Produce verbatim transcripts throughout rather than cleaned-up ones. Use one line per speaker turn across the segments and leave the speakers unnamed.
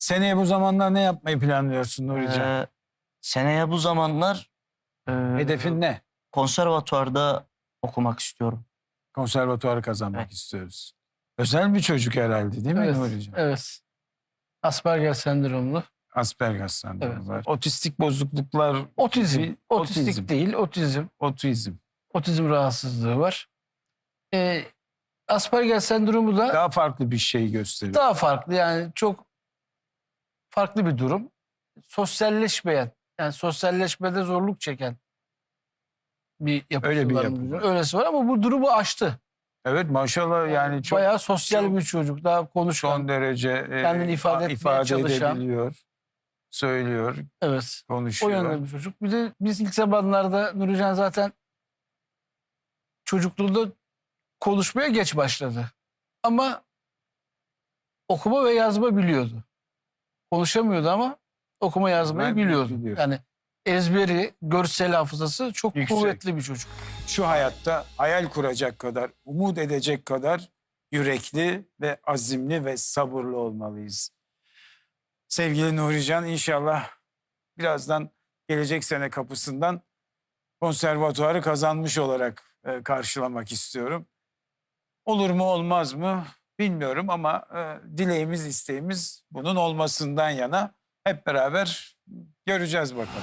Seneye bu zamanlar ne yapmayı planlıyorsun Nurican?
Ee, seneye bu zamanlar e,
Hedefin ne?
konservatuvarda okumak istiyorum.
Konservatuvarı kazanmak
Evet.
istiyoruz. Özel bir çocuk herhalde değil mi
Evet,
Nurican?
evet. Asperger sendromlu.
Asperger sendromu
Evet.
var. Otistik bozukluklar,
Otizm.
Bir-
Otistik
otizm.
değil, otizm.
otizm.
Otizm rahatsızlığı var. Ee, Asperger sendromu da
Daha farklı bir şey gösteriyor.
daha farklı. Yani çok farklı bir durum. Sosyalleşmeyen, yani sosyalleşmede zorluk çeken bir yapısı
Öyle bir
var.
yapı var.
Öylesi var ama bu durumu aştı.
Evet maşallah yani çok
Bayağı sosyal
çok-
bir çocuk. Daha konuşan.
son derece e,
Kendini ifade etmeye
ifade
çalışan.
edebiliyor, söylüyor,
Evet. O
konuşuyor.
yönde bir çocuk. Bir de biz ilk zamanlarda Nurican zaten çocukluğunda konuşmaya geç başladı. Ama okuma ve yazma biliyordu. Konuşamıyordu ama okuma yazmayı
Ben
biliyordu.
biliyorum.
Yani ezberi, görsel hafızası çok
Yüksek.
kuvvetli bir çocuk.
Şu hayatta hayal kuracak kadar, umut edecek kadar yürekli ve azimli ve sabırlı olmalıyız. Sevgili Nurican inşallah birazdan gelecek sene kapısından konservatuarı kazanmış olarak e, karşılamak istiyorum. Olur mu olmaz mı bilmiyorum ama e, dileğimiz isteğimiz bunun olmasından yana. Hep beraber göreceğiz bakalım.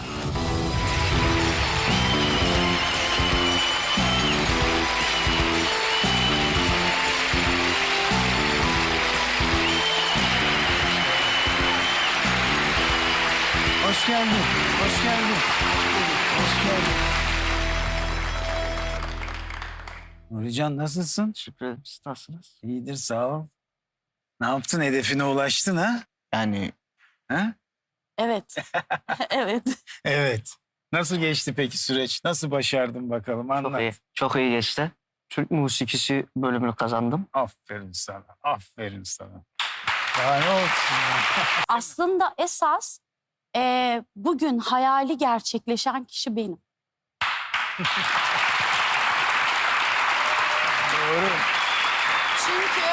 Hoş geldin, hoş geldin. Hoş geldin. Nurican nasılsın?
Teşekkür ederim. Siz nasılsınız?
İyidir sağ ol. Ne yaptın, hedefine ulaştın ha?
Yani
Ha?
Evet. Evet.
Evet. Nasıl geçti peki süreç? Nasıl başardın bakalım
çok
anlat.
iyi. Çok iyi geçti. Türk musikisi bölümünü kazandım.
Aferin sana, aferin sana. Daha ne olsun ya?
Aslında esas e, bugün hayali gerçekleşen kişi benim.
Doğru.
Çünkü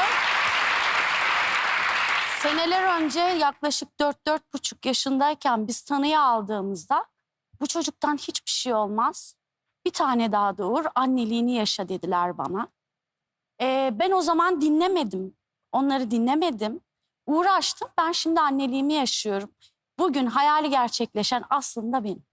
seneler önce yaklaşık dört dört buçuk yaşındayken biz tanıya aldığımızda bu çocuktan hiçbir şey olmaz. Bir tane daha doğur, anneliğini yaşa dediler bana. E, ben o zaman dinlemedim. Onları dinlemedim. Uğraştım. Ben şimdi anneliğimi yaşıyorum. Bugün hayali gerçekleşen aslında benim.